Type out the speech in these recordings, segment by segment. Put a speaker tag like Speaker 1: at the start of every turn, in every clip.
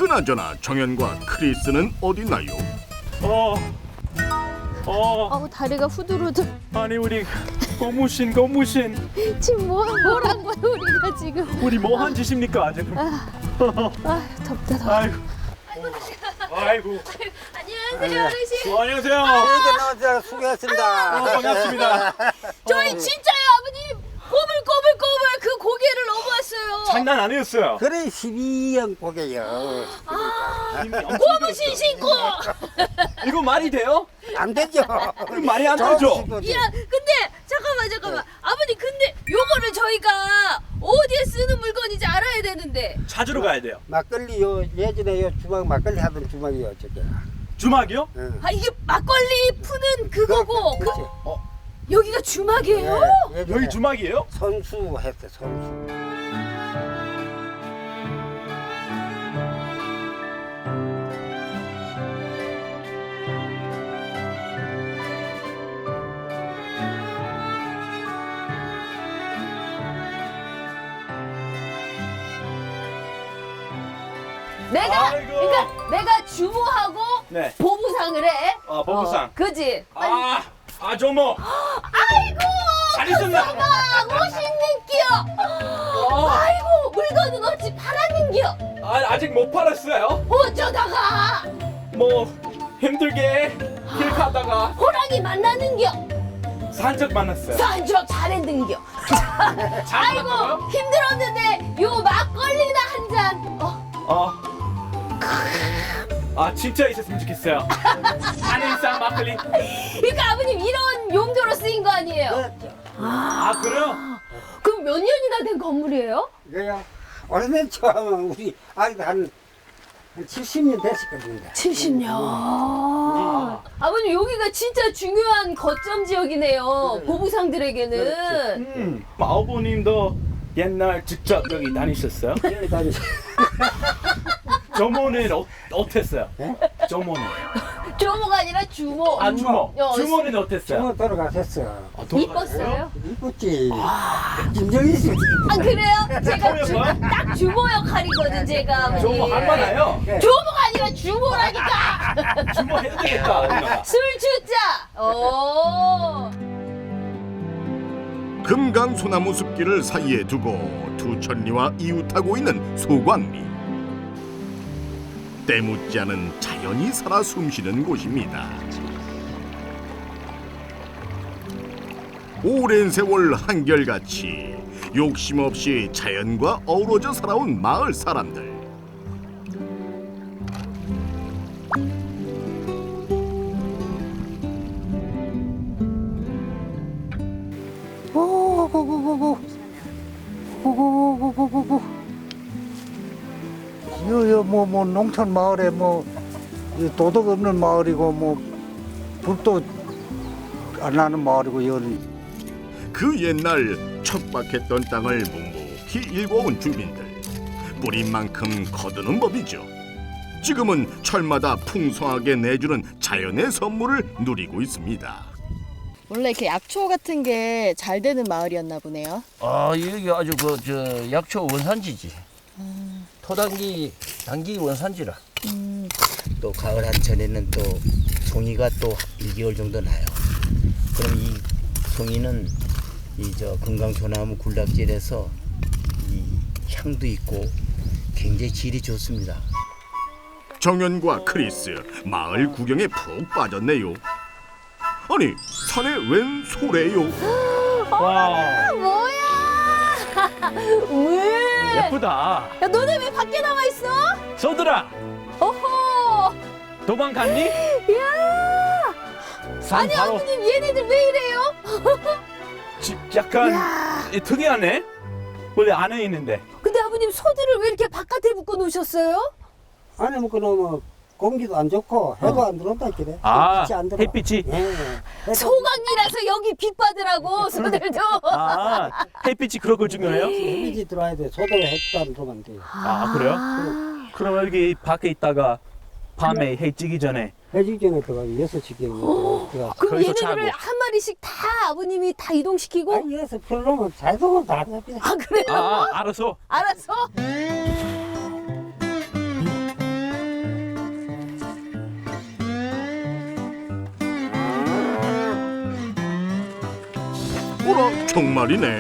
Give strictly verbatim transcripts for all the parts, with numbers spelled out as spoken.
Speaker 1: 그나저나 정연과 크리스는 어딨나요?
Speaker 2: 어, 어,
Speaker 3: 아우 다리가 후들후들.
Speaker 2: 아니 우리 고무신 고무신
Speaker 3: 지금 뭐 뭐란 거야 우리가 지금?
Speaker 2: 우리 뭐 한 짓입니까 지금?
Speaker 3: 아 덥다 더워.
Speaker 2: 아이고, 아이고.
Speaker 3: 안녕하세요 어르신.
Speaker 2: 어, 안녕하세요.
Speaker 4: 이렇게 나와서 수고했습니다.
Speaker 2: 어, 반갑습니다.
Speaker 3: 저희 진짜요 아버님. 꼬불꼬불꼬불 그 고개를 넘어왔어요.
Speaker 2: 장난 아니었어요.
Speaker 4: 그래 십이 형 고개요.
Speaker 3: 고무신 신고.
Speaker 2: 이거 말이 돼요?
Speaker 4: 안 되죠.
Speaker 2: 이거 말이 안 되죠?
Speaker 3: 야 근데 잠깐만 잠깐만 아버님 근데 요거를 저희가 어디에 쓰는 물건인지 알아야 되는데.
Speaker 2: 찾으러 가야 돼요.
Speaker 4: 막걸리 요 예전에 요 주막 막걸리 하던 주막이요 저게.
Speaker 2: 주막이요?
Speaker 4: 응.
Speaker 3: 아 이게 막걸리 푸는 그거고 그,
Speaker 4: 그렇지.
Speaker 2: 어,
Speaker 3: 여기가 주막이에요?
Speaker 4: 예, 예전에
Speaker 2: 여기 주막이에요?
Speaker 4: 선수 했어 선수.
Speaker 3: 내가
Speaker 2: 아이고.
Speaker 3: 그러니까 내가 주모하고
Speaker 2: 네.
Speaker 3: 보부상을 해.
Speaker 2: 아, 보부상.
Speaker 3: 어, 그지? 빨리.
Speaker 2: 아, 아 조모.
Speaker 3: 아이고
Speaker 2: 잘 있었나?
Speaker 3: 아, 멋있는겨. 아이고 물건은 어찌 팔았는겨.
Speaker 2: 아, 아직 못 팔았어요.
Speaker 3: 어쩌다가
Speaker 2: 뭐 힘들게 길 가다가
Speaker 3: 호랑이 만나는겨.
Speaker 2: 산적 만났어요.
Speaker 3: 산적 잘했는겨.
Speaker 2: 잘
Speaker 3: 아이고
Speaker 2: 만났어요?
Speaker 3: 힘들었는데 요 막걸리나 한 잔. 어.
Speaker 2: 어. 아 진짜 있었으면 좋겠어요. 안에서 막걸리.
Speaker 3: 그러니까 아버님 이런 용도로 쓰인 거 아니에요?
Speaker 4: 그렇죠.
Speaker 2: 아 그래요?
Speaker 3: 그럼 몇 년이나 된 건물이에요?
Speaker 4: 이거야 오래된 처음은 우리 아이도 한, 한 칠십 년 됐었거든요.
Speaker 3: 칠십 년. 아버님 여기가 진짜 중요한 거점 지역이네요.
Speaker 4: 그래.
Speaker 3: 보부상들에게는.
Speaker 2: 음. 아버님도 옛날 직접 여기 다니셨어요?
Speaker 4: 여기 다니시.
Speaker 2: 조모는 어, 어땠어요?
Speaker 4: 예?
Speaker 2: 조모는.
Speaker 3: 조모가 아니라 주모.
Speaker 2: 아 주모.
Speaker 3: 어,
Speaker 2: 주모는 어땠어요?
Speaker 4: 정말 돌아가셨어.
Speaker 2: 아, 돌아가셨어요?
Speaker 3: 이뻤어요?
Speaker 4: 이뻤지. 김정희 씨.
Speaker 3: 아 그래요? 제가 주,
Speaker 2: 주모였어요?
Speaker 3: 딱 주모 역할이거든 제가 아버님.
Speaker 2: 조모 할만해요.
Speaker 3: 주모가 아니라 주모라니까.
Speaker 2: 주모 해도 되겠다. 누나가.
Speaker 3: 술 주자. 오.
Speaker 1: 금강소나무 숲길을 사이에 두고 두 천리와 이웃하고 있는 소광리. 때묻지 않은 자연이 살아 숨쉬는 곳입니다. 오랜 세월 한결같이 욕심 없이 자연과 어우러져 살아온 마을 사람들.
Speaker 4: 오고고고고 오고고고고고 여여 뭐뭐 농촌 마을에 뭐 도덕 없는 마을이고 뭐 불도 안 나는 마을이고 여는
Speaker 1: 그 옛날 척박했던 땅을 묵묵히 일궈온 주민들. 뿌린 만큼 거두는 법이죠. 지금은 철마다 풍성하게 내주는 자연의 선물을 누리고 있습니다.
Speaker 3: 원래 이렇게 약초 같은 게 잘 되는 마을이었나 보네요.
Speaker 5: 아 여기 아주 그 저 약초 원산지지. 토당기 당기 원산지라.
Speaker 6: 또 가을 한철에는 또 송이가 또 일 개월 정도 나요. 그럼 이 송이는 이 저 금강소나무 군락질에서 이 향도 있고 굉장히 질이 좋습니다.
Speaker 1: 정연과 크리스 마을 구경에 푹 빠졌네요. 아니 산에 웬 소래요?
Speaker 2: 와
Speaker 3: 뭐야? 왜?
Speaker 2: 예쁘다.
Speaker 3: 야 너네 왜 밖에 나와 있어?
Speaker 2: 소들아
Speaker 3: 어허.
Speaker 2: 도망갔니?
Speaker 3: 야.
Speaker 2: 산
Speaker 3: 아니
Speaker 2: 바로
Speaker 3: 아버님 얘네들 왜 이래요?
Speaker 2: 집 약간 이 특이하네. 원래 안에 있는데.
Speaker 3: 근데 아버님 소들을 왜 이렇게 바깥에 묶어 놓으셨어요?
Speaker 4: 안에 묶어 놓으면 공기도 안 좋고 해도 안 들어온다 그래.
Speaker 2: 아,
Speaker 4: 햇빛이 안 들어.
Speaker 2: 햇빛이?
Speaker 4: 예.
Speaker 3: 소강이라서 여기 빛 받으라고 소들도.
Speaker 2: 아 햇빛이 그렇고 중요해요?
Speaker 4: 햇빛이 들어와야 돼. 소도 햇빛 안 들어오면 안 돼.
Speaker 2: 아 그래요?
Speaker 3: 아.
Speaker 2: 그럼 여기 밖에 있다가 밤에 해 찌기 전에
Speaker 4: 해질 전에 들어가면 여섯 시경에 들어가.
Speaker 3: 그럼
Speaker 2: 거기서
Speaker 3: 얘네들을
Speaker 2: 자고.
Speaker 3: 한 마리씩 다 아버님이 다 이동시키고?
Speaker 4: 아니 여기서 풀놓으면 자동으로 다 잡히네.
Speaker 3: 아 그래요?
Speaker 2: 아, 아 알았어.
Speaker 3: 알았어?
Speaker 1: 정말이네.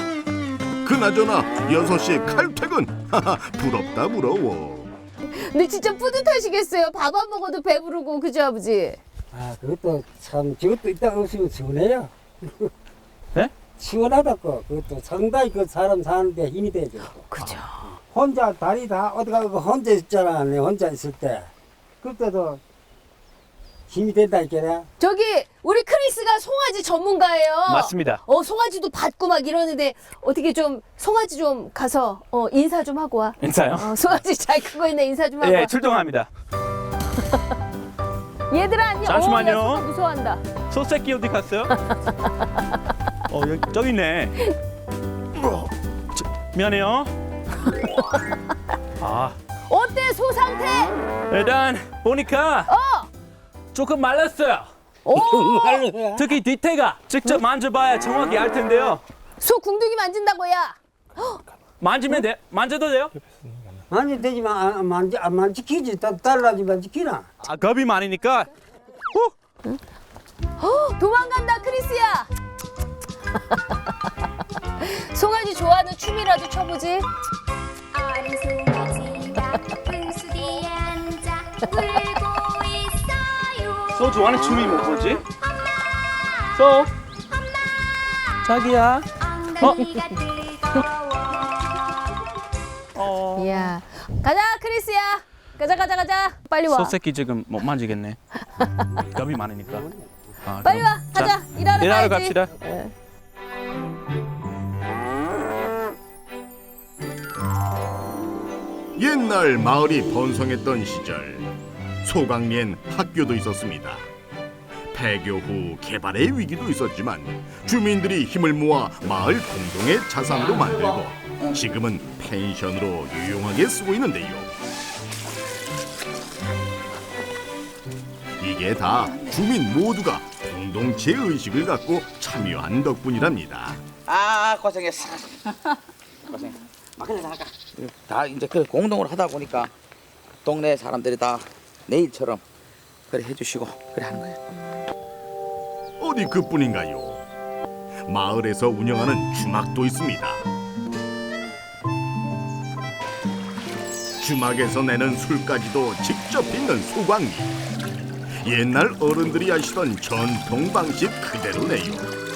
Speaker 1: 그나저나 여섯 시에 칼퇴근. 하하, 부럽다 부러워.
Speaker 3: 근데 진짜 뿌듯하시겠어요. 밥 안 먹어도 배부르고 그죠 아버지?
Speaker 7: 아, 그것도 참, 저것도 이따가 없으면 시원해요.
Speaker 2: 네?
Speaker 7: 시원하다고. 그것도 상당히 그 사람 사는데 힘이 되죠.
Speaker 3: 그죠.
Speaker 7: 혼자 다리 다 어디 가고 혼자 있잖아. 내 혼자 있을 때. 그때도 힘이 된다니까.
Speaker 3: 저기 우리 크리스가 송아지 전문가예요.
Speaker 2: 맞습니다.
Speaker 3: 어 송아지도 받고 막 이러는데 어떻게 좀 송아지 좀 가서 어 인사 좀 하고 와.
Speaker 2: 인사요?
Speaker 3: 어, 송아지 잘 크고 있네 인사 좀 하고 와.
Speaker 2: 예, 출동합니다.
Speaker 3: 얘들아 안녕.
Speaker 2: 잠시만요.
Speaker 3: 어, 야, 송아 무서워한다.
Speaker 2: 소새끼 어디 갔어요? 어, 여기 저기 있네. 저, 미안해요. 아,
Speaker 3: 어때 소 상태?
Speaker 2: 일단 보니까
Speaker 3: 어.
Speaker 2: 조금 말랐어요.
Speaker 3: 오.
Speaker 2: 특히 뒤태가 직접 만져봐야 정확히 알 텐데요.
Speaker 3: 소 궁둥이 만진다고야.
Speaker 2: 만지면 돼? 만져도 돼요?
Speaker 7: 만지 되지만 안, 만지, 안 만지키지. 달라지만 지키나.
Speaker 2: 아, 겁이 많으니까. 후!
Speaker 3: 어, 도망간다 크리스야. 송아지 좋아하는 춤이라도 춰보지.
Speaker 8: 어린 송아지가 분수 뒤에 앉아 울고 있어요.
Speaker 2: 소 좋아하는 춤이 뭐지? 소. 자기야.
Speaker 8: 엉덩이가 뜨거워.
Speaker 2: 어.
Speaker 3: 이야. 가자 크리스야. 가자 가자 가자. 빨리 와.
Speaker 2: 소새끼 지금 못 만지겠네. 겁이 많으니까. 아,
Speaker 3: 빨리
Speaker 2: 그럼.
Speaker 3: 와. 가자. 일하러
Speaker 2: 일하러
Speaker 3: 가야지.
Speaker 2: 갑시다.
Speaker 3: 예.
Speaker 1: 옛날 마을이 번성했던 시절 소강리엔 학교도 있었습니다. 폐교 후 개발의 위기도 있었지만 주민들이 힘을 모아 마을 공동의 자산으로 만들고 지금은 펜션으로 유용하게 쓰고 있는데요. 이게 다 주민 모두가 공동체 의식을 갖고 참여한 덕분이랍니다.
Speaker 9: 아 고생했어. 고생. 막걸리 나가. 다 이제 그 공동으로 하다 보니까 동네 사람들이 다 내일처럼 그래 해주시고 그래 하는 거예요.
Speaker 1: 어디 그뿐인가요? 마을에서 운영하는 주막도 있습니다. 주막에서 내는 술까지도 직접 빚는 소광리. 옛날 어른들이 하시던 전통 방식 그대로네요.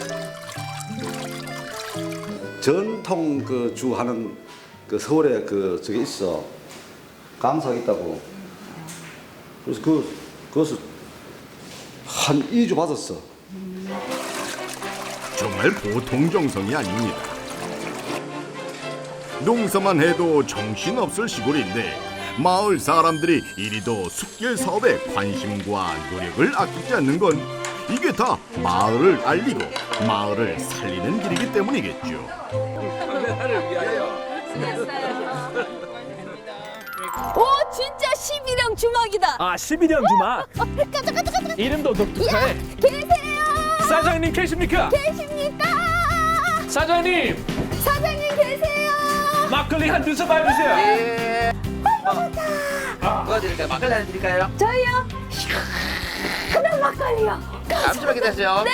Speaker 10: 전통 그 주 하는 그 서울에 그 저기 있어 강사가 있다고. 그래서 그 그것을 한 이 주 받았어.
Speaker 1: 정말 보통 정성이 아닙니다. 농사만 해도 정신없을 시골인데 마을 사람들이 이리도 숲길 사업에 관심과 노력을 아끼지 않는 건 이게 다 마을을 알리고 마을을 살리는 길이기 때문이겠죠.
Speaker 3: 오 진짜 십일형 주막이다.
Speaker 2: 아, 십일형 주막.
Speaker 3: 가자 가자 가자.
Speaker 2: 이름도 독특해.
Speaker 3: 계세요?
Speaker 2: 사장님 계십니까?
Speaker 3: 계십니까?
Speaker 2: 사장님,
Speaker 3: 사장님 계세요?
Speaker 2: 막걸리 한 두 컵 해주세요.
Speaker 9: 예. 뭐 드릴까요? 막걸리 한 드릴까요?
Speaker 3: 저희요? 시원한 막걸리요.
Speaker 9: 잠시만 기다리세요. 네.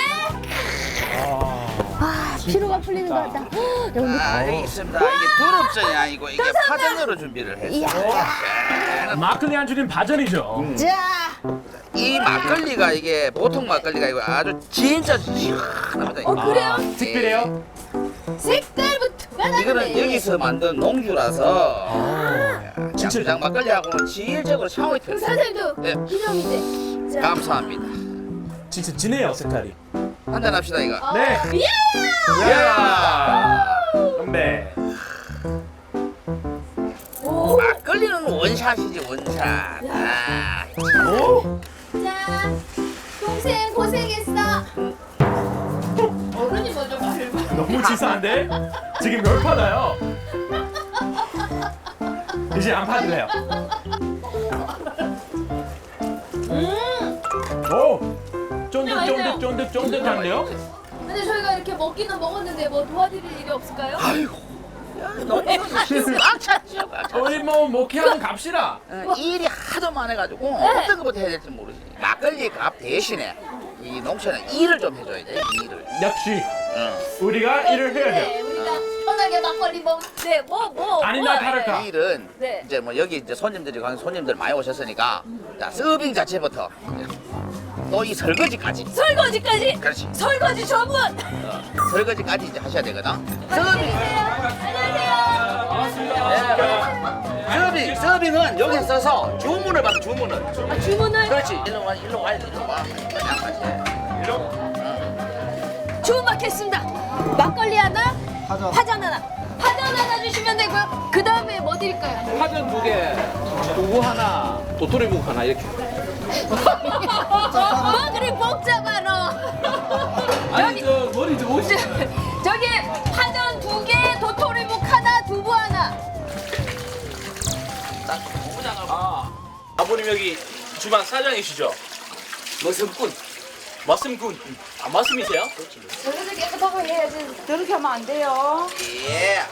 Speaker 3: 아 피로가 풀리는 것 같다. 헉, 여기
Speaker 9: 아 여기 있습니다. 이게 두릅전이 아니고 이게 파전으로 준비를 했어요.
Speaker 2: 막걸리 안주는 파전이죠.
Speaker 3: 자.
Speaker 9: 이 막걸리가 이게 보통 막걸리가 아니고 아주 진짜 시원합니다.
Speaker 3: 어 그래요?
Speaker 2: 특별해요?
Speaker 3: 색깔부터
Speaker 9: 이거는 여기서 만든 농주라서 양주장 막걸리하고는 질적으로 차원이 틀려요.
Speaker 3: 사장님도
Speaker 9: 네.
Speaker 3: 기념인데. 자.
Speaker 9: 감사합니다.
Speaker 2: 진짜 진해요, 색깔이.
Speaker 9: 한잔 합시다 이거.
Speaker 3: 어,
Speaker 2: 네.
Speaker 3: 예!
Speaker 2: 야! 건배.
Speaker 3: 오.
Speaker 9: 막걸리는 원샷이지 원샷. 아,
Speaker 2: 오?
Speaker 3: 자, 동생 고생했어. 어른이 먼저 말을 봐.
Speaker 2: 너무 치사한데? 지금 열받아요. 이제 안 받을래요.
Speaker 3: 음.
Speaker 2: 오! 쫀득쫀득쫀득쫀득한데요?
Speaker 3: 근데 저희가 이렇게 먹기는 먹었는데 뭐 도와드릴 일이 없을까요?
Speaker 9: 너무 꽉 찼죠. 꽉 찼죠.
Speaker 2: 우리 뭐 목회하면 갑시다.
Speaker 9: 어, 일이 하도 많아가지고 어떤 것부터 해야 될지 모르지. 막걸리 값 대신에 이 농촌에 일을 좀 해줘야 돼. 일을.
Speaker 2: 역시 우리가 일을 해야
Speaker 3: 네,
Speaker 2: 돼.
Speaker 3: 우리가 편하게 막걸리 먹. 네, 뭐 뭐.
Speaker 2: 아니나
Speaker 3: 뭐,
Speaker 2: 다를까?
Speaker 9: 내일은
Speaker 3: 네.
Speaker 9: 이제 뭐 여기 이제 손님들이 관 손님들 많이 오셨으니까 자 서빙 자체부터 또 이 설거지까지.
Speaker 3: 설거지까지.
Speaker 9: 그렇지.
Speaker 3: 설거지 전문.
Speaker 9: 어, 설거지까지 이제 하셔야 되거든. 서빙.
Speaker 3: 안녕하세요.
Speaker 9: 서빙 서빙은 여기 써서 주문을 받아 주문을.
Speaker 3: 아, 주문을
Speaker 9: 그렇지. 일로 와 일로 와 일로 와. 그냥 같이.
Speaker 3: 주문 받겠습니다. 막걸리 하나, 파전 하나. 파전 하나 주시면 되고요. 그 다음에 뭐 드릴까요?
Speaker 2: 파전 두 개, 두부 하나, 도토리묵 하나 이렇게.
Speaker 3: 뭐 그리 복잡하 너.
Speaker 2: 아니 저 머리 좀 오시.
Speaker 3: 저기 파전 두 개, 도토리묵 하나, 두부 하나.
Speaker 2: 아, 아버님 여기 주방 사장이시죠?
Speaker 9: 머슴꾼.
Speaker 2: 머슴꾼. 아, 머슴이세요?
Speaker 3: 저기서 깨끗하게 해야지. 더럽게 하면 안 돼요.
Speaker 9: 예.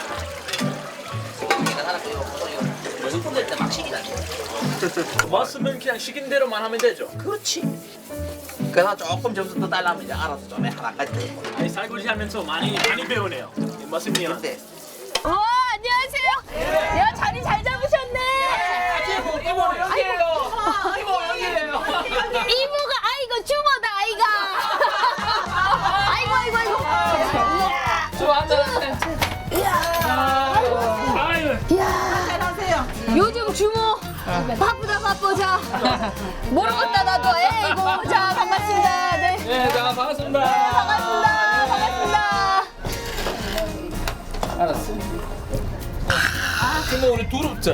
Speaker 9: 이거 하나 또 이거 보통 이거 머슴꾼 될 때 막 시기 나죠.
Speaker 2: 머슴은 그냥 시킨 대로만 하면 되죠.
Speaker 9: 그렇지. 그래서 조금 점수 더 달라면 이제 알아서 좀 해. 하나까지 더 해보려.
Speaker 2: 아니 설거지 하면서 많이 많이 배우네요. 머슴이한테.
Speaker 9: 근데
Speaker 3: 와, 안녕하세요. 야, 자리 잘 잡으셨네.
Speaker 2: 이모 이모 여기에요. 이모 여기에요.
Speaker 3: 이모가 아이고 주모다 아이가. 아이고 아이고 아이고.
Speaker 2: 저 앉아. 아유.
Speaker 3: 요즘 주모 바쁘다 바빠. 자 모르겠다 나도. 에이고 자 반갑습니다. 네.
Speaker 2: 네, 자 반갑습니다.
Speaker 3: 반갑습니다. 반갑습니다.
Speaker 2: 알았어. 이모 우리 두릅자.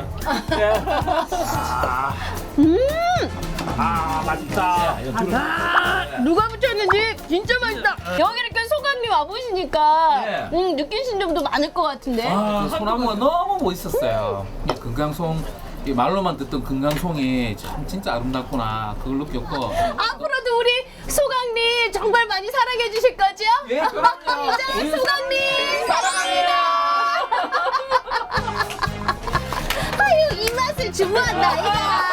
Speaker 3: 음.
Speaker 2: 아 맛있다.
Speaker 3: 누가 붙였는지 진짜 맛있다. 여기 이렇게 소강님 와보시니까
Speaker 11: 네.
Speaker 3: 음, 느끼신 점도 많을 것 같은데.
Speaker 11: 아, 소나무가 너무 멋있었어요. 이 금강송, 이 말로만 듣던 금강송이 참 진짜 아름답구나 그걸 느꼈고.
Speaker 3: 앞으로도 우리 소강님 정말 많이 사랑해 주실 거죠?
Speaker 11: 예, 그럼요.
Speaker 3: 이제 소강님 사랑합니다. 아유 이 맛을 주문한다 아이가.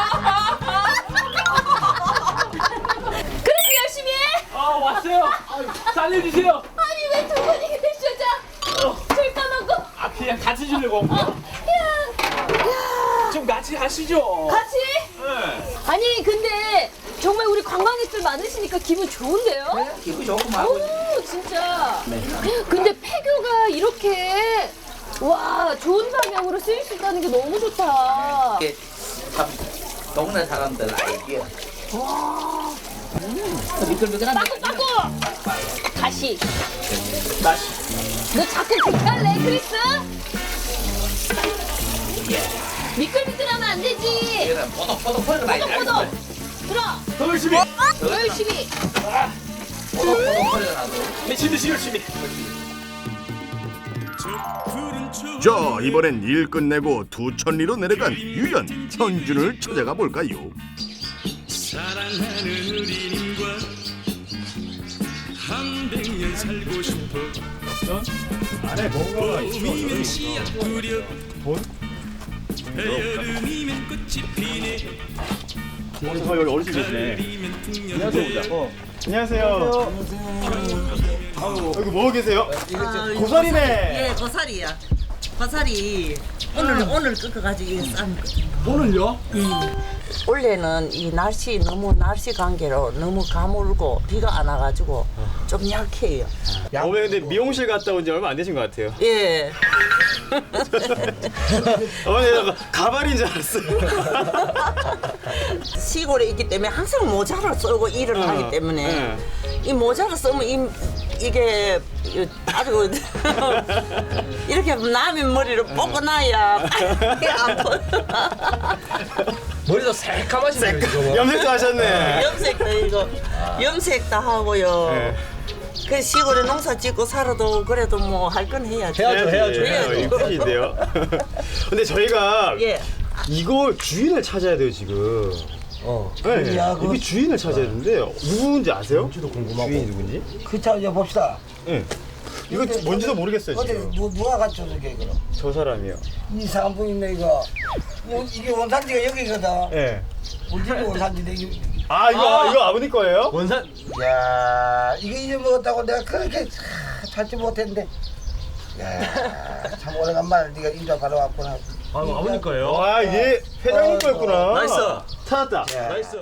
Speaker 3: 그렇게 열심히 해.
Speaker 2: 아 왔어요. 아, 살려주세요.
Speaker 3: 아니 왜 두 분이 계셔? 자, 줄 까놓고.
Speaker 2: 아 그냥 같이 주려고.
Speaker 3: 야, 야.
Speaker 2: 좀 같이 하시죠.
Speaker 3: 같이?
Speaker 2: 네.
Speaker 3: 아니 근데 정말 우리 관광객들 많으시니까 기분 좋은데요?
Speaker 9: 네, 기분 좋고 말고.
Speaker 3: 오 진짜. 근데 폐교가 이렇게 와 좋은 방향으로 쓰일 수 있다는 게 너무 좋다.
Speaker 9: 이게 참 동네 사람들 아이디어.
Speaker 3: 와.
Speaker 9: 미끌미끌한
Speaker 3: 빠꾸 빠꾸. 다시.
Speaker 2: 다시.
Speaker 3: 너 자꾸 그렇게 할래 크리스? 미끌미끌하면 안 되지.
Speaker 9: 이거는 포독포독 포독 나야 돼.
Speaker 3: 포독. 들어.
Speaker 2: 더 열심히.
Speaker 3: 더 열심히.
Speaker 9: 포독포독 포독 나도.
Speaker 2: 미친 듯이 열심히.
Speaker 1: 자, 이번엔 일 끝내고 두천리로 내려간 유연 현준을 찾아가 볼까요?
Speaker 12: 사랑하는 우리님과 한백년 살고 싶어.
Speaker 2: 안에 뭔가가
Speaker 12: 봄이면 씨앗 뿌려 여름이면 꽃이 피네.
Speaker 2: 오늘 저 여기 어르신 계시네. 안녕하세요. 어.
Speaker 13: 안녕하세요. 아유, 여기 뭐 계세요? 고사리네.
Speaker 14: 예, 고사리야. 고사리 오늘 오늘 꺾어가지고 쌈.
Speaker 13: 오늘요?
Speaker 14: 원래는 이 날씨 너무 날씨 관계로 너무 가물고 비가 안 와가지고 좀 약해요.
Speaker 13: 어머니 근데 미용실 갔다 온 지 얼마 안 되신 것 같아요.
Speaker 14: 예.
Speaker 13: 어머니 나 가발인 줄 알았어요.
Speaker 14: 시골에 있기 때문에 항상 모자를 쓰고 일을
Speaker 13: 어,
Speaker 14: 하기 때문에
Speaker 13: 네.
Speaker 14: 이 모자를 쓰면 이, 이게 아주 이렇게 남의 머리를 뽑고 나야 빨리 안 보여.
Speaker 11: 머리도 새까마시네요 지금.
Speaker 13: 염색도 하셨네.
Speaker 14: 염색도 이거 염색도 하고요.
Speaker 13: 네.
Speaker 14: 그 시골에 농사 짓고 살아도 그래도 뭐 할 건 해야죠.
Speaker 13: 해야죠, 해야죠.
Speaker 14: 해야죠.
Speaker 13: 이쁘신데요. 근데 저희가
Speaker 14: 예.
Speaker 13: 이걸 주인을 찾아야 돼요 지금.
Speaker 7: 어.
Speaker 13: 네,
Speaker 7: 야, 그-
Speaker 13: 이게 주인을 찾아야 되는데 누군지 아세요? 저도
Speaker 7: 궁금하고.
Speaker 13: 주인이 누군지?
Speaker 7: 그 찾아 봅시다.
Speaker 13: 네. 이거 뭔지도 모르겠어요
Speaker 7: 어디
Speaker 13: 지금.
Speaker 7: 누, 누가 갖춰서 게 그럼?
Speaker 13: 저 사람이요.
Speaker 7: 이상한 분 있네 이거. 뭐, 이게 원산지가 여기거든.
Speaker 13: 네.
Speaker 7: 우리 집이 원산지인데 이-
Speaker 13: 아 이거 이거 아버님 거예요?
Speaker 15: 원산. 야 이거 잊어먹었다고 내가 그렇게 참 찾지 못했는데. 야참 오래간만에 네가 인자 바로 왔구나.
Speaker 13: 아 아버님 거예요? 아 이게 회장님 거였구나.
Speaker 15: 나이스.
Speaker 13: 찾았다.
Speaker 15: 나이스.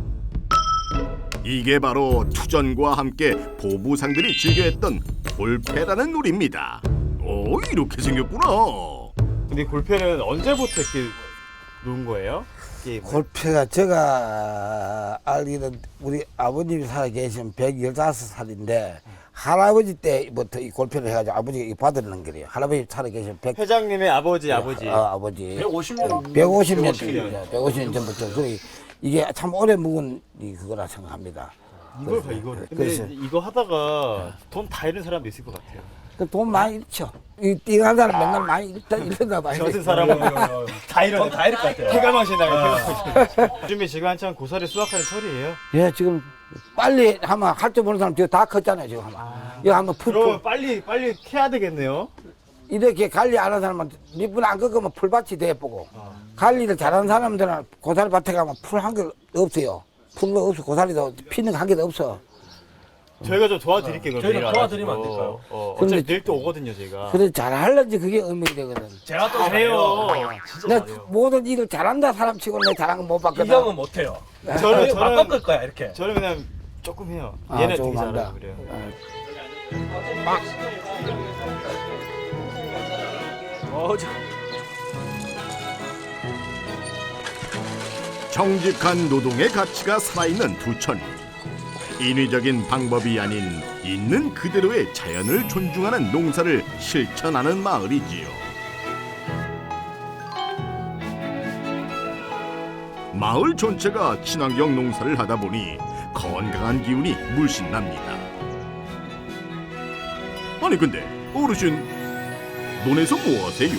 Speaker 1: 이게 바로 투전과 함께 보부상들이 즐겨했던 골패라는 놀이입니다. 오, 이렇게 생겼구나.
Speaker 13: 근데 골패는 언제부터 이렇게 놓은 거예요? 게임.
Speaker 15: 골패가 제가 알기는 우리 아버님이 살아 계신 백십오 살인데 할아버지 때부터 이 골패를 해가지고 아버지가 이거 받으는 거래요. 할아버지 살아 계신 백
Speaker 13: 회장님의 아버지 아버지.
Speaker 15: 어, 아버지.
Speaker 13: 백오십 년.
Speaker 15: 백오십 년.
Speaker 13: 백오십 년.
Speaker 15: 백오십 년 전부터. 그래, 이게 참 오래 묵은 이 그거라 생각합니다.
Speaker 13: 이걸 봐 이거. 근데
Speaker 15: 그래서
Speaker 13: 이거 하다가 돈 다 잃은 사람도 있을 것 같아요.
Speaker 15: 그 돈 많이 잃죠. 이 띵한 사람 맨날 많이 잃다 잃다 봐요.
Speaker 13: 저 같은 사람은 다 잃어.
Speaker 15: 다 잃을 것 같아요.
Speaker 13: 폐가망신 나요. 요즘에 지금 한창 고사리 수확하는 철이에요.
Speaker 15: 예, 지금 빨리 하면 할 줄 모르는 사람 지금 다 컸잖아요, 지금 하면. 이거 한번 풀,
Speaker 13: 그러면
Speaker 15: 풀.
Speaker 13: 빨리 빨리 캐야 되겠네요.
Speaker 15: 이렇게 관리 안 하는 사람은 밑분 안 꺾으면 풀밭이 돼보고 관리를 잘하는 사람들은 고사리 밭에 가면 풀 한 개 없어요. 풀도 없어. 고사리도 피는 한 개도 없어.
Speaker 13: 저희가 좀 도와드릴게요. 그럼
Speaker 15: 저희가
Speaker 13: 내일
Speaker 15: 도와드리면
Speaker 13: 와가지고.
Speaker 15: 안 될까요?
Speaker 13: 어,
Speaker 15: 근데-
Speaker 13: 어차피 내일 또 오거든요, 저희가.
Speaker 15: 그래 잘하려지 그게 의미가 되거든.
Speaker 13: 제가 또 잘해요. 진짜
Speaker 15: 내
Speaker 13: 잘해요.
Speaker 15: 모든 일을 잘한다 사람 치고 내 잘한 건 못 봤거든.
Speaker 13: 이 형은
Speaker 15: 못해요.
Speaker 13: 저는
Speaker 15: 막
Speaker 13: 저는
Speaker 15: 꺾을 거야 이렇게.
Speaker 13: 저는 그냥 조금 해요.
Speaker 15: 아,
Speaker 13: 얘는
Speaker 15: 조금
Speaker 13: 되게
Speaker 15: 한다.
Speaker 13: 잘하고 그래요.
Speaker 15: 어, 저...
Speaker 1: 정직한 노동의 가치가 살아있는 두천. 인위적인 방법이 아닌 있는 그대로의 자연을 존중하는 농사를 실천하는 마을이지요. 마을 전체가 친환경 농사를 하다 보니 건강한 기운이 물씬 납니다. 아니 근데 어르신, 논에서 뭐 하세요?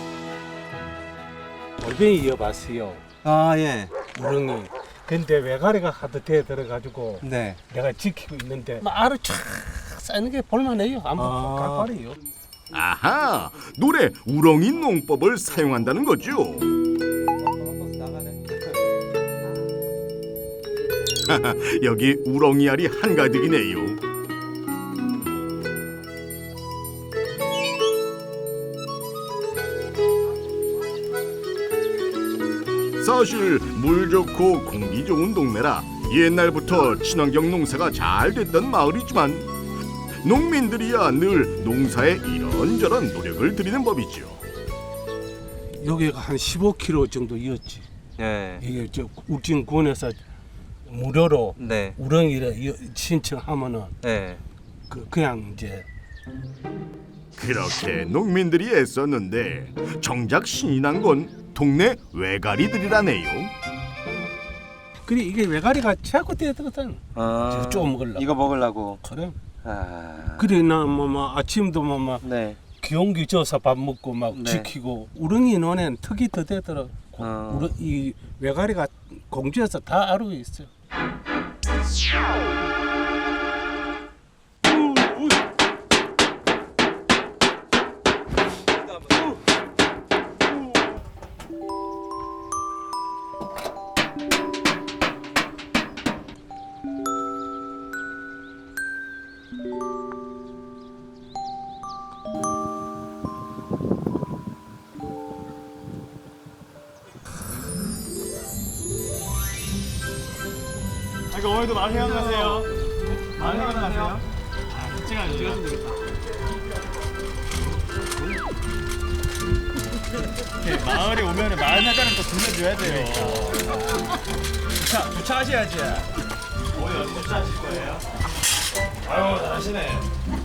Speaker 16: 골뱅이 이어봤어요.
Speaker 17: 아 예.
Speaker 16: 우렁이. 근데 외가리가 하도 돼 들어가지고
Speaker 17: 네.
Speaker 16: 내가 지키고 있는데 막 알을 쫙 쌓는 게 볼만해요. 안
Speaker 17: 아.
Speaker 16: 깜빡이요.
Speaker 1: 아하, 노래 우렁이 농법을 사용한다는 거죠. 여기 우렁이 알이 한가득이네요. 사실 물 좋고 공기 좋은 동네라 옛날부터 친환경 농사가 잘 됐던 마을이지만 농민들이야 늘 농사에 이런저런 노력을 들이는 법이죠.
Speaker 16: 여기가 한 십오 킬로미터 정도 이었지.
Speaker 17: 네.
Speaker 16: 이게 저 울진군에서 무료로
Speaker 17: 네.
Speaker 16: 우렁이를 이어- 신청하면은
Speaker 17: 네.
Speaker 16: 그 그냥 이제
Speaker 1: 그렇게 농민들이 애썼는데 정작 신이 난 건 동네 외가리들이라네요.
Speaker 16: 그래 이게 외가리가 자꾸 떼들었잖아.
Speaker 17: 아.
Speaker 16: 좀 먹으려고.
Speaker 17: 이거 먹으려고.
Speaker 16: 그래.
Speaker 17: 아.
Speaker 16: 그래 나뭐 뭐 아침도 뭐막
Speaker 17: 네.
Speaker 16: 기온기 져서 밥 먹고 막
Speaker 17: 네.
Speaker 16: 지키고 우렁이 논엔 턱이 더 되더라.
Speaker 17: 어.
Speaker 16: 우렁, 이 외가리가 공주에서 다 알고 있어.
Speaker 13: 그러니까 오늘도 마을 회관 가세요. 마을 회관 가세요. 아, 찍어요. 찍어주면 되겠다. 이렇게 마을에 오면은 마을 회관은 또 들려줘야 돼요. 주차, 주차하셔야지. 오늘 어디 주차하실 거예요? 아유, 잘하시네.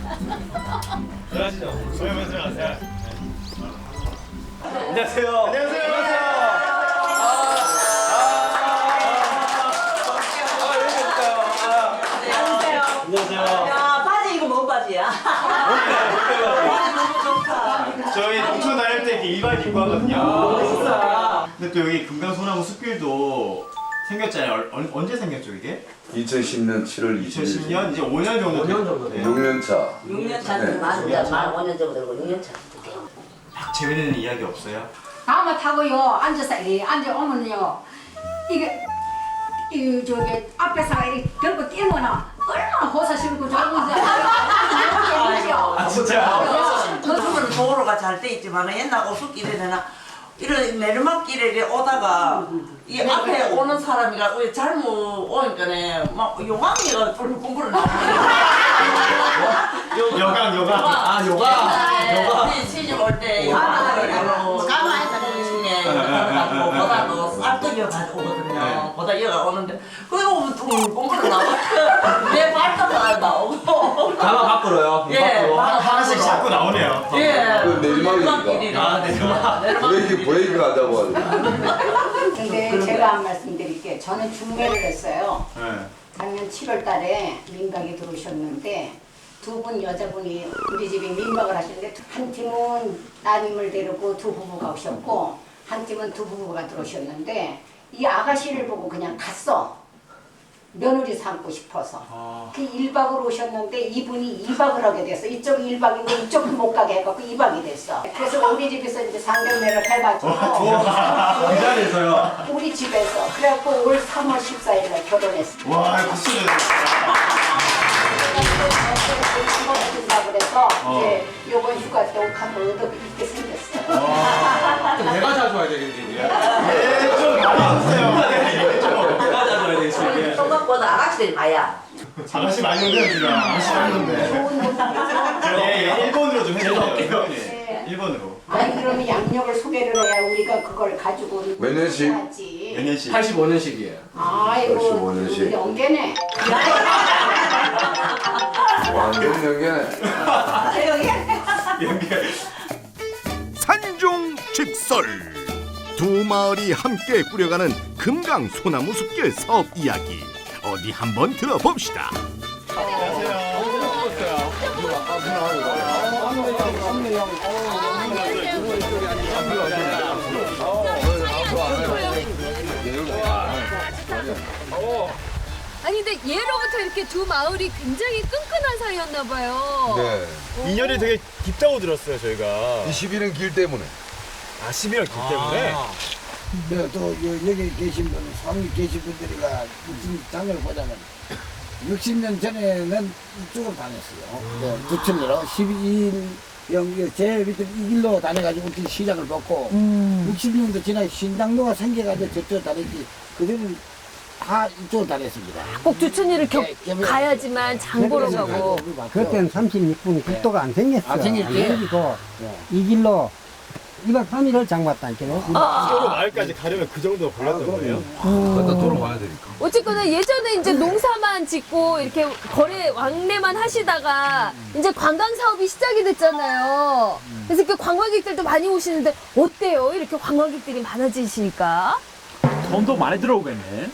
Speaker 13: 들어가시죠. 소영면 들어가세요. 안녕하세요. 안녕하세요.
Speaker 14: 야, 바지 이거 뭔 바지야?
Speaker 13: 저희 농촌 다닐 때 이렇게 이발 입고 하거든요.
Speaker 14: 멋있어.
Speaker 13: 근데 또 여기 금강소나무 숲길도 생겼잖아요. 얼- 언- 언제 생겼죠 이게?
Speaker 18: 이천십 년 칠월 이십일.
Speaker 13: 이천십 년 이제 오 년 정도. 오 년 정도
Speaker 18: 육 년 차.
Speaker 14: 육 년 차는 맞은데 만 오 년 정도 되고 육 년 차.
Speaker 13: 막 재밌는 이야기 없어요?
Speaker 19: 다음에 타고요 앉아서 이리 앉아오면요 이게 이 저기 앞에서 이렇게 들고 뛰면은 얼마나 호사스럽고 좋은 건지
Speaker 14: 아,
Speaker 19: 진짜?
Speaker 14: 요즘은 도로가 잘 돼 있지만 옛날 오솔길에는 이런 내리막길에 오다가 이 앞에 오는 사람이가 왜 잘못 오니까네 막 요강이가 뿔뿔뿔 나오네.
Speaker 13: 요강 요강. 아 요강. 요강.
Speaker 14: 우리 시집 올때 요강이라고 중에 가지고 보다도 쌀떡이가 가지고 오거든요. 보다 여가 오는데 그거 오면 뿔뿔뿔 나와. 내 발톱도 나오고.
Speaker 13: 가마 밖으로요.
Speaker 14: 예,
Speaker 13: 밖으로.
Speaker 14: 바로
Speaker 13: 하나씩
Speaker 14: 밖으로.
Speaker 13: 자꾸 나오네요.
Speaker 14: 예.
Speaker 18: 그 내리막이니까.
Speaker 13: 아 내리막.
Speaker 18: 브레이크 브레이크 하자고 하죠.
Speaker 19: 근데 제가 한 말씀 드릴게요. 저는 중매를 했어요.
Speaker 13: 네.
Speaker 19: 작년 칠월 달에 민박에 들어오셨는데 두 분 여자분이 우리 집에 민박을 하시는데 한 팀은 따님을 데리고 두 부부가 오셨고 한 팀은 두 부부가 들어오셨는데 이 아가씨를 보고 그냥 갔어. 며느리 삼고 싶어서.
Speaker 13: 아.
Speaker 19: 그 일 박으로 오셨는데 이분이 이 박을 하게 됐어. 이쪽 일 박인데 이쪽은 못 가게 해갖고 이 박이 됐어. 그래서 우리 집에서 이제 상견례를 해가지고
Speaker 13: 이 자리에서요.
Speaker 19: 우리 집에서 그래갖고 올 삼월 십사일에 결혼했어.
Speaker 13: 와 박수 주세요.
Speaker 19: 한번 그래서
Speaker 13: 어.
Speaker 19: 이제 요번 휴가 때 옷 한번 얻어 입게 생겼어.
Speaker 13: 좀 내가 자주 와야 되겠는데. 예, 좀 많이 주세요. 좀 내가 자주 와야 되겠어요.
Speaker 14: 생각보다 아가씨들이 많아.
Speaker 13: 아가씨 많이 오네요 지금. 아가씨 많이 오는데. 예, 예, 일본으로 좀 해주세요. 예, 일본으로.
Speaker 19: 아니 그러면 양력을 소개를 해야 우리가 그걸 가지고
Speaker 18: 몇 년씩?
Speaker 19: 하지.
Speaker 13: 몇 년씩? 팔십오 년씩이에요.
Speaker 19: 아이고
Speaker 18: 팔십오 년씩.
Speaker 19: 연계네.
Speaker 18: 완전 연계네.
Speaker 1: 산중직설 두 마을이 함께 꾸려가는 금강 소나무 숲길 사업 이야기 어디 한번 들어봅시다.
Speaker 3: 아니 근데 예로부터 이렇게 두 마을이 굉장히 끈끈한 사이였나 봐요.
Speaker 18: 네.
Speaker 13: 인연이 되게 깊다고 들었어요 저희가.
Speaker 18: 이 십일은 길 때문에.
Speaker 13: 아 십일월 길 때문에.
Speaker 15: 근데 또 여- 여기 계신 분, 상위 계신 분들이가 무슨 장을 보자면 육십 년 전에는 이쪽으로 다녔어요. 네, 부천으로 십이 일 여기 제일 밑에 이 길로 다녀가지고 우리 시장을 벗고 육십 년도 지나 신당로가 생겨가지고 저쪽으로 다녔지 그들은 다 이쪽으로 다녔습니다.
Speaker 3: 꼭 주천이를 겨,
Speaker 15: 예, 예,
Speaker 3: 가야지만 장 보러 가고.
Speaker 7: 그때는 삼십육 분 국도가 안 생겼어.
Speaker 15: 안 생겼지?
Speaker 7: 생기고
Speaker 15: 네.
Speaker 7: 이 길로 이 박 삼 일을 장봤다니까요.
Speaker 13: 서로 마을까지 가려면 그 정도 걸렸던 거예요?
Speaker 18: 갖다 돌아와야 되니까.
Speaker 3: 어쨌거나 예전에 이제 농사만 짓고 이렇게 거래 왕래만 하시다가 이제 관광 사업이 시작이 됐잖아요. 그래서 이렇게 관광객들도 많이 오시는데 어때요? 이렇게 관광객들이 많아지시니까
Speaker 2: 돈도 많이 들어오겠네.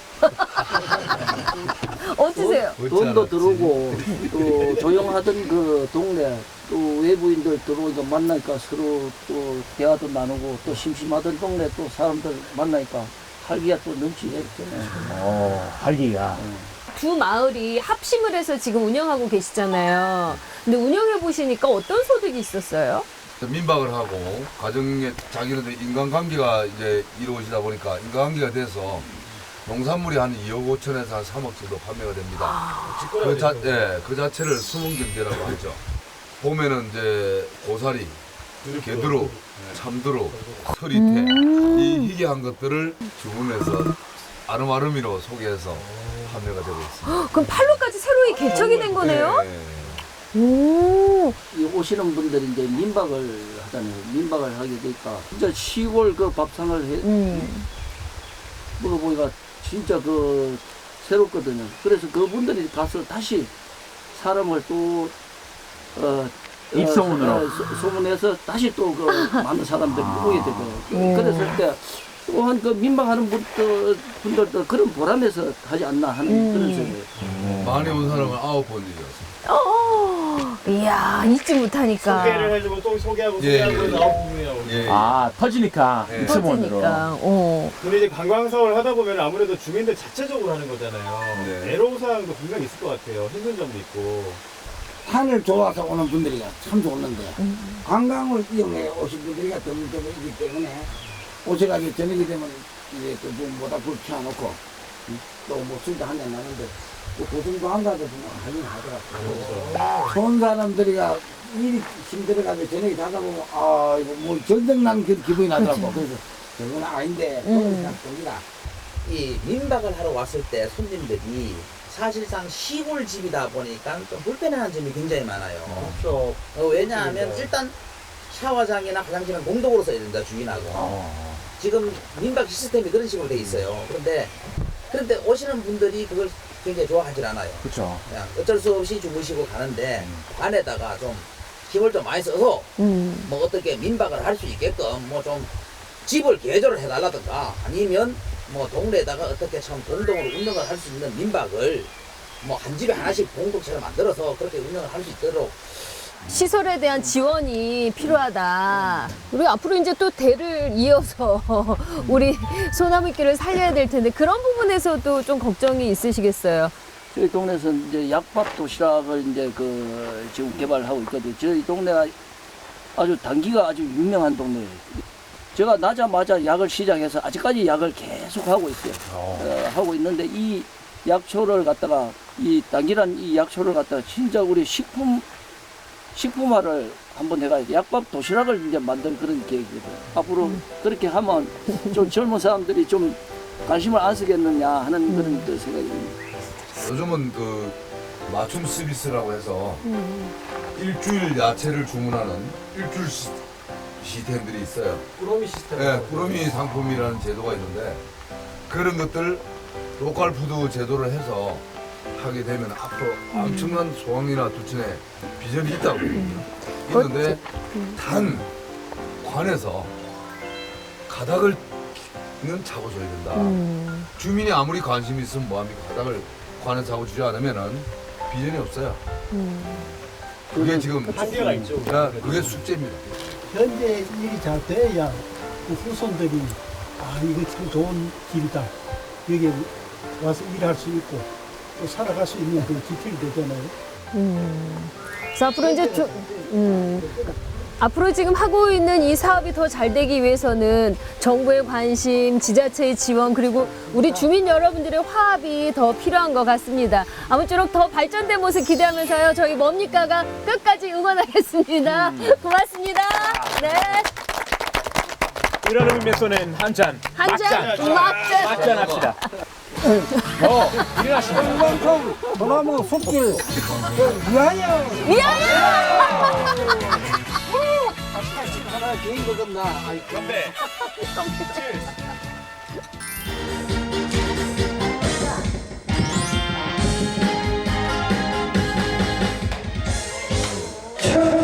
Speaker 3: 어떠세요?
Speaker 6: 돈도 들어오고 또 조용하던 그 동네 또 외부인들 들어오니까 만나니까 서로 또 대화도 나누고 또 심심하던 동네 또 사람들 만나니까 활기가 또 넘치게
Speaker 2: 어, 활기가.
Speaker 3: 두 마을이 합심을 해서 지금 운영하고 계시잖아요. 근데 운영해 보시니까 어떤 소득이 있었어요?
Speaker 18: 민박을 하고 가정에 자기네들 인간관계가 이제 이루어지다 보니까 인간관계가 돼서 농산물이 한 이억 오천에서 한 삼억 정도 판매가 됩니다. 그, 자, 예, 그 자체를 수문경제라고 하죠. 봄에는 이제 고사리, 개두루, 참두루, 서리태 이 희귀한 것들을 주문해서 아름아름이로 소개해서 판매가 되고 있습니다.
Speaker 3: 그럼 팔로까지 새로이 개척이 된 거네요?
Speaker 18: 네.
Speaker 3: 오.
Speaker 6: 이 오시는 분들이 이제 민박을 하잖아요. 민박을 하게 되니까 진짜 시골 그 밥상을 해
Speaker 3: 음.
Speaker 6: 먹어보니까 진짜 그 새롭거든요. 그래서 그분들이 가서 다시 사람을 또 어,
Speaker 2: 입소문으로.
Speaker 6: 어, 소- 소문해서 다시 또 그 많은 사람들이 오게 되고
Speaker 3: 오.
Speaker 6: 그랬을 때 또한 그 민박하는 분들, 분들도 그런 보람에서 하지 않나 하는
Speaker 3: 음.
Speaker 6: 그런 생각이에요.
Speaker 18: 많이 온 사람은 아홉 번이죠.
Speaker 3: 어, 이야, 잊지 못하니까.
Speaker 13: 소개를 해주고 또 소개하고
Speaker 18: 예,
Speaker 13: 소개하고
Speaker 18: 예,
Speaker 13: 나온 부분이라고.
Speaker 18: 예.
Speaker 2: 아, 터지니까.
Speaker 18: 네.
Speaker 2: 입소문으로.
Speaker 3: 터지니까. 어.
Speaker 13: 근데 이제 관광사업을 하다 보면 아무래도 주민들 자체적으로 하는 거잖아요.
Speaker 18: 네.
Speaker 13: 애로사항도 분명히 있을 것 같아요. 힘든 점도 있고.
Speaker 15: 산을 좋아서 오는 분들이 참 좋은데 관광을 이용해 오신 분들이 드물드물이기 때문에 오셔가지고 저녁이 되면 이제 또 뭐다 불 켜놓고 또뭐 술도 한잔 나는데 또 고등도 안 가도 뭐 하긴 하더라고. 좋은 사람들이가 일이 힘들어가지고 저녁에 자다 보면 아 이거 뭐 전쟁 난 그 기분이 나더라고. 그래서 저건 아닌데 그냥 겁니다.
Speaker 9: 이 민박을 하러 왔을 때 손님들이 사실상 시골 집이다 보니까 좀 불편한 점이 굉장히 많아요.
Speaker 5: 그렇죠.
Speaker 9: 어, 왜냐하면 일단 샤워장이나 화장실은 공동으로 써야 된다, 주인하고. 지금 민박 시스템이 그런 식으로 돼 있어요. 그런데 그런데 오시는 분들이 그걸 굉장히 좋아하질 않아요.
Speaker 2: 그렇죠.
Speaker 9: 그냥 어쩔 수 없이 주무시고 가는데 안에다가 좀 힘을 좀 많이 써서
Speaker 3: 음.
Speaker 9: 뭐 어떻게 민박을 할 수 있게끔 뭐 좀 집을 개조를 해달라든가 아니면 뭐 동네에다가 어떻게 참 공동으로 운영을 할 수 있는 민박을 뭐 한 집에 하나씩 공동체를 만들어서 그렇게 운영을 할 수 있도록
Speaker 3: 시설에 대한 지원이 필요하다. 우리 앞으로 이제 또 대를 이어서 우리 소나무길을 살려야 될 텐데 그런 부분에서도 좀 걱정이 있으시겠어요.
Speaker 5: 저희 동네에서는 이제 약밥 도시락을 이제 그 지금 개발하고 있거든요. 저희 동네가 아주 단기가 아주 유명한 동네예요. 제가 나자마자 약을 시작해서 아직까지 약을 계속 하고 있어요. 어, 하고 있는데 이 약초를 갖다가 이 단기란 이 약초를 갖다가 진짜 우리 식품 식품화를 한번 해가지고 약밥 도시락을 이제 만들 그런 계획이거든요. 앞으로 음. 그렇게 하면 좀 젊은 사람들이 좀 관심을 안 쓰겠느냐 하는 음. 그런 그 생각입니다.
Speaker 18: 요즘은 그 맞춤 서비스라고 해서
Speaker 3: 음.
Speaker 18: 일주일 야채를 주문하는 일주일 시, 시스템들이 있어요.
Speaker 13: 꾸러미 시스템.
Speaker 18: 네, 꾸러미 상품이라는 제도가 있는데 그런 것들 로컬 푸드 제도를 해서 하게 되면 앞으로 엄청난 소황이나 두천에 비전이 있다고 있는데 단 관에서 가닥을 는 잡아줘야 된다.
Speaker 3: 음.
Speaker 18: 주민이 아무리 관심이 있으면 뭐합니까? 가닥을 관에 잡아주지 않으면은 비전이 없어요.
Speaker 3: 음.
Speaker 18: 그게 지금
Speaker 13: 한계가 있죠.
Speaker 18: 네, 그게 숙제입니다.
Speaker 16: 현재 일이 잘 돼야 그 후손들이 아 이거 참 좋은 길이다. 여기 와서 일할 수 있고 또 살아갈 수 있는 그 지필이 되잖아요.
Speaker 3: 음. 그래서 앞으로 이제 좀, 음. 앞으로 지금 하고 있는 이 사업이 더 잘 되기 위해서는 정부의 관심, 지자체의 지원, 그리고 우리 주민 여러분들의 화합이 더 필요한 것 같습니다. 아무쪼록 더 발전된 모습 기대하면서요. 저희 뭡니까가 끝까지 응원하겠습니다. 음. 고맙습니다. 네.
Speaker 13: 이런 의미의 쏘는 한 잔.
Speaker 3: 한 잔, 막잔.
Speaker 13: 막잔 합시다. 어, 일어나시죠.
Speaker 7: 건강성 소나무 숲길 위하여.
Speaker 3: 위하여.
Speaker 15: 하나 개인 거겠나?
Speaker 13: 건배.
Speaker 15: 체